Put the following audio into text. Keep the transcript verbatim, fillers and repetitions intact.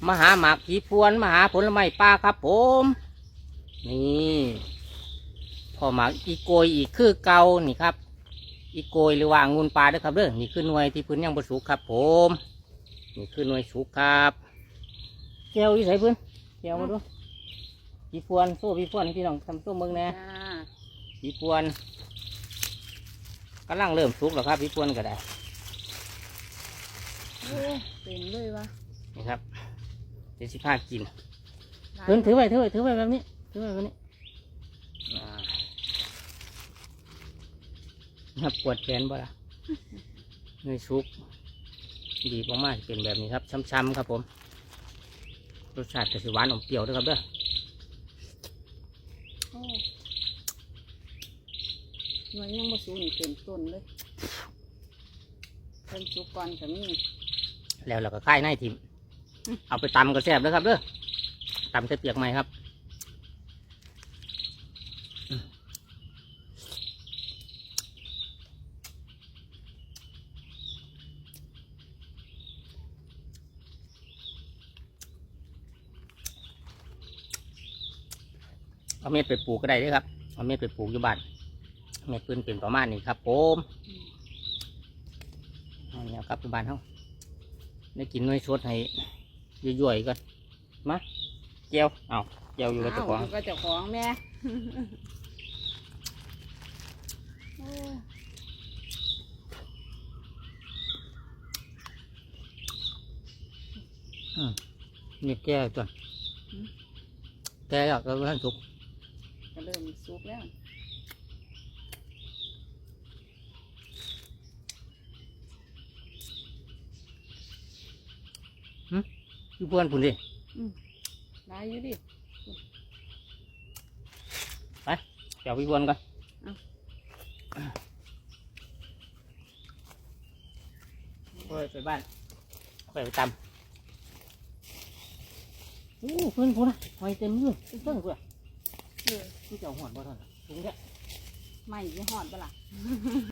มาหาหมากผีพวนมาหาผลไม้ป่าครับผมนี่พอหมากอีโกยอีกคือเก่านี่ครับอีโกยหรือว่าองุ่นปลาด้วยครับเด้อนี่คือหน่วยที่พื้นยังบรสุกครับผมนี่คือหน่วยสุกครับแก้วอยู่ใส่พื้นแก้วมาดูผีพวนโซ่ผีพวนพี่น้องทำส้มเมืองแน่ผีพวนกำลังเริ่มสุกแล้วครับผีพวนก็ได้โอ้เต็มเลยวะนี่ครับเดี๋ยวสิพากินเพิ่นถือไว้ถือไว้ถือไว้แบบนี้ถือไว้แบบนี้นับปวดแขนบ่ล่ะเนื้อชุกดีมากๆเป็นแบบนี้ครับช้ำๆครับผมรสชาติจะสิหวานอมเปรี้ยวด้วยครับเด้อหน่วยยังมาสูงนี่เต็มต้นเลยเต็มสุกก่อนกับนี่แล้วเราก็ค่ายในทิมเอาไปตำก็แซ่บแล้วครับเด้อตำใส่เปียกไหมครับเอาเม็ดไปปลูกก็ได้ด้วยครับเอาเม็ดไปปลูกอยู่บ้านเม็ดปืนเป็นประมาณนี้ครับผมเอาเนี่ยครับอยู่บ้านเขาได้กินน้อยสดให้ย่อยๆก่อนมาเจียวเอาเจียวอยู่กับเจ้าของอยู่กับเจ้าของแม่นี่แก้ตัวแก้แล้วก็ท่านสุกก็เริ่มสุกแล้วพี่พวนผุนดิได้อยู่ดิไปเดี๋ยวพี่พวนก่อนไปบ้านไปไปตำโอ้เพื่อนพูนะหอยเต็มมือเต็มเพื่อนเออพี่เจ้าหอดบ่ทันถุงแค่ไม่ยี่หอดบ่ล่ะ